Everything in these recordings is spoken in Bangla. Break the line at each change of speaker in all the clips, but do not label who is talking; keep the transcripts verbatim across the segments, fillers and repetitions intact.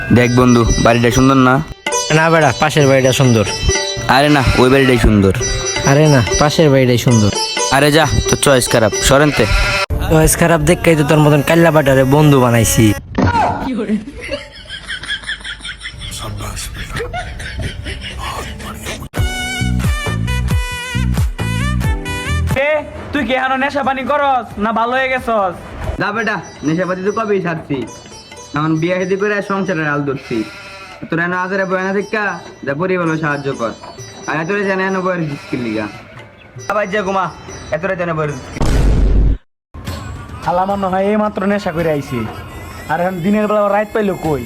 দেখ বন্ধু, বাড়িটা সুন্দর না?
না বেড়া, পাশের বাড়িটা সুন্দর।
আরে না, ওই বাড়িটাই সুন্দর।
আরে না, পাশের বাড়িটাই সুন্দর।
আরে যা, তোর চয়েস খারাপ, সরেনতে।
চয়েস খারাপ দেখেই তো তোর মতন কাল্লা বাটারে বন্ধু বানাইছি।
তুই কি এখনো নেশা পানি করস না ভালো হয়ে গেছস?
না বেটা, নেশাপাতি তো কবেই ছাড়ছি। এখন বিয়ে শাদী করে সংসারের আল ধরছি। তোর এনে আজারে বয়ানা দেখা যা পরিবার সাহায্য কর। আর এত জানে এনে বয়ের স্কিল লিগা আবার যা ঘুমা, এত জানে বয়ের
খালা মনে হয় এই মাত্র নেশা করে আইছি, আর এখন দিনের বেলা রাইত পাইলো কই?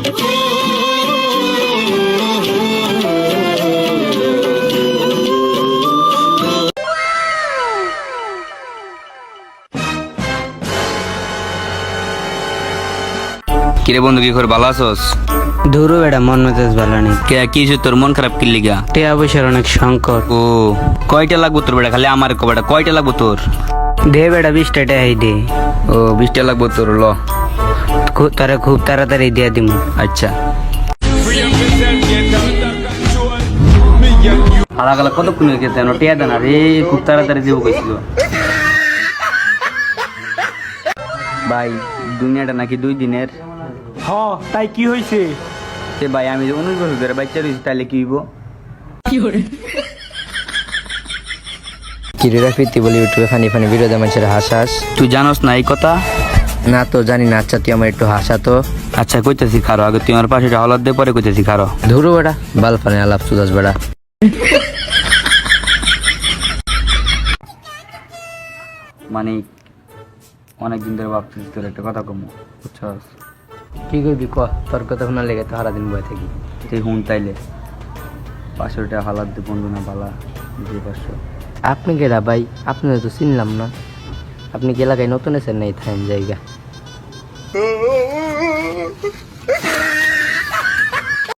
কিরে বন্ধু, কি করে ভালো আছোস?
ধুরু বেড়া, মন মেজাজ ভালো নেই।
কে কি হইছে তোর, মন খারাপ কি লিগা?
টিয়া পয়সার অনেক সংকট।
ও কয়টা লাগবো তোর বেটা? খালি আমার কয়টা কয়টা লাগবো তোর?
দে বেড়া, বিশটা টাকাই দে।
ও বিশটা লাগবো তোর, ল।
খু- তারা খুব তাড়াতাড়ি দিয়া দিমু।
আচ্ছা। হালা গালা কতক্ষণ হয়ে গেছে, টিয়া দেন আর এই খুব তাড়াতাড়ি দিব কইছিল। ভাই, দুনিয়াটা নাকি দুই দিনের।
হ, তাই কি হইছে?
সে ভাই, আমি যে উনিশ বছর ধরে বাচ্চা রয়েছি, তাহলে কি হইব?
কিরিরা ফিরতি বলি ইউটিউবে ফানি ফানি ভিডিও দেয় মানুষের হাসাস।
তুই জানোস না এই কথা?
না তো জানি না। আচ্ছা তুই আমার একটু হাসা তো।
আচ্ছা কইতেছি খারো, আগে তুই আমার পাশে হলাদ দে, পরে কইতেছি খারো।
ধুরু বেড়া, বাল ফানি আলাপ সুদাস বেড়া।
মানে অনেকদিন ধরে ভাবতেছি তোর একটা কথা কমু, বুঝছস?
কি করবি ক, তোর কথা শোনার লেগে তো সারাদিন বয়ে থাকি।
তুই হুন তাইলে পাঁচশো টাকা হালাত দে, বন্ধু না বালা দিয়ে পাঁচশো।
আপনি কেডা ভাই? আপনাদের তো চিনলাম না। আপনি কি এলাকায় নতুন এসেন? নাই থাইন জায়গা।